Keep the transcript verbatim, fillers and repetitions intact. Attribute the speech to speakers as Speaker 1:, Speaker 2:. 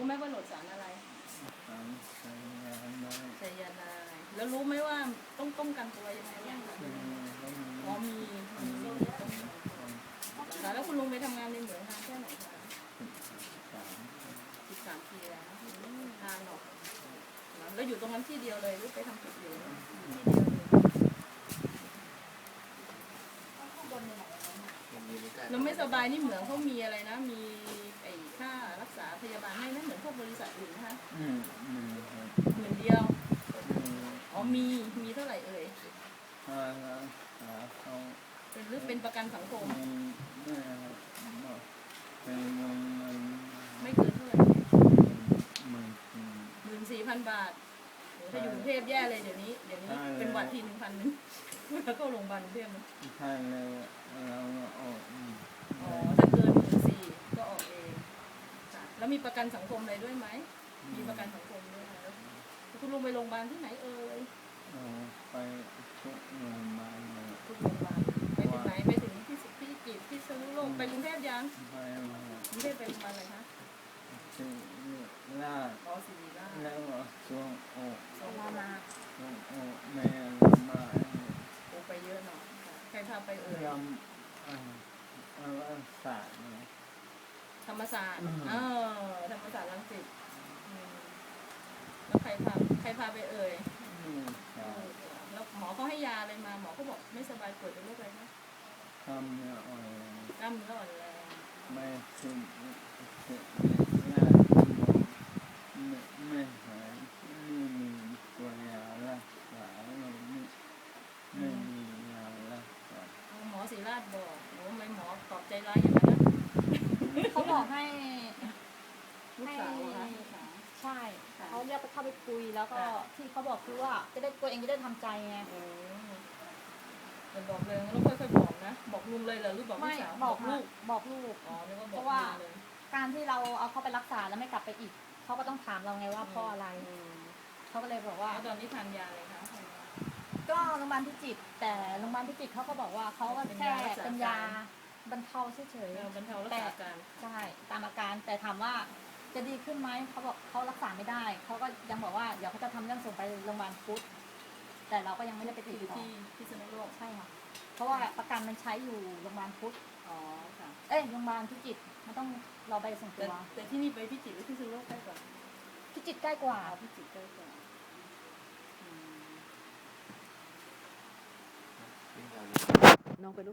Speaker 1: ไหมว่าโหลดสารอะไร
Speaker 2: สารไซยาไนด์
Speaker 1: ไซยาไนด์แล้วรู้ไหมว่าต้องป้องกันตัวยังไงบ้างอ๋อมีมีแล้วคุณลุงไปทำงานในเหมืองนานแค่ไหนคะสิบสามปีแล้วนานหรอกแล้วอยู่ตรงนั้นที่เดียวเลยหรือไปทำจุดอื่นที่เดียวเลยเราไม่สบายนี่เหมืองเขามีอะไรนะมีไอ้ค่ารักษาพยาบาลให้นะเหมือนพวกบริษัทอื่นนะคะ
Speaker 2: อืมอืม
Speaker 1: หมื่นเดียวอ๋อมีมีเท่าไหร่เอ่ย
Speaker 2: ค่ารักษาเขา
Speaker 1: เป็นหรือเป็นประกันสังคม
Speaker 2: ไม่เป็นเงินเงิน
Speaker 1: ไม่เกินเท่าไหร่
Speaker 2: หมื่น
Speaker 1: หมื่นสี่พันบาทถ้าอยู่กรุงเทพแย่เลยเดี๋ยวนี้เดี๋ยวนี้เป็นหวัดทีหนึ่งพันนึงแล้วก็โรงพยาบาลกรุงเทพนะ
Speaker 2: ใช่เลยเราออก
Speaker 1: อ๋อถ้าเกินหมื่นสี่ก็ออกเองแล้วมีประกันสังคมอะไรด้วยไหมมีประกันสังคมด้วยแล้วคุณลุงไปโรงพยาบาลที่ไหนเอ่ย
Speaker 2: ไปทุกโรงพยาบาล
Speaker 1: ทุกโรงพยาบาลไปถึงไหนไปถึงที่พี่จิตที่สนุโลกไปกรุงเทพยัง
Speaker 2: ไปมาก
Speaker 1: รุงเทพไปโรงพยาบาลอะไรคะ
Speaker 2: ศิริราช
Speaker 1: อ๋อศิริราช
Speaker 2: แล้วช่วงโอ
Speaker 1: สองมามา
Speaker 2: ช่วงโอแม่มา
Speaker 1: โอไปเยอะหน่อยใครพาไปเอ่ย
Speaker 2: รำอ่าศาสตร์
Speaker 1: ธรรมศาสตร์เออธรรมศาสตร์รังสิตแล้วใครพาใครพาไปเอ่ยแล้วหมอเขาให้ยาอะไรมาหมอเขาบอกไม่สบายปวดเป็นโรคอะไรคะ
Speaker 2: กล้ามเนื้ออ่อนแรง
Speaker 1: กล้ามเนื้ออ่อนแรง
Speaker 2: ไม่ซึมยาไม่ไม่หายไม่มีตัวยารักษาไม่ไม่มียารักษา
Speaker 1: หมอศิริราชบอกโอ้ไม่หมอตอบใจร้ายอย่างนั้นนะ
Speaker 3: เขาบอกให้
Speaker 1: ลูกสาว
Speaker 3: ใช่เขาเรียกไปเข้าไปคุยแล้วก็ที่เขาบอกคือว่าจะได้ตัวเองจะได้ทำใจไง
Speaker 1: แต่บอกเลยต้องค่อยๆบอกนะบอกลุงเลยเหรอหรือบอกพี่สาว
Speaker 3: บอกลูกบอกลูกเพราะว่าการที่เราเอาเขาไปรักษาแล้วไม่กลับไปอีกเขาก็ต้องถามเราไงว่าเพราะอะไรเขาก็เลยบอกว่า
Speaker 1: ตอนนี้ทานยาอะไรคะ
Speaker 3: ก็โรงพยาบาลพิจิตรแต่โรงพยาบาลพิจิตรเขาก็บอกว่าเขาก็แค่เป็นยาบรรเทาเฉย
Speaker 1: ๆบรรเทารักษาอาการ
Speaker 3: ใช่ตามอาการแต่ถามว่าจะดีขึ้นไหมเขาบอกเขารักษาไม่ได้เขาก็ยังบอกว่าเดี๋ยวเขาจะทำเรื่องส่งไปโรงพยาบาลพุทธแต่เราก็ยังไม่ได้ไปติดต่อ
Speaker 1: ที่พิษณุโลก
Speaker 3: ใช่ค่ะเพราะว่าประกันมันใช้อยู่โรงพยาบาลพุทธ
Speaker 1: อ๋อค่ะ
Speaker 3: เอ้ยโรงพยาบาลพิจิตรมันต้องรอใบส่งตัว
Speaker 1: แต่ที่นี่ไปพิจิตรหรือพิษณุโลกใกล้กว่า
Speaker 3: พิจิตรใกล้กว่า
Speaker 1: พิจิตรใกล้กว่าน้องไปลูก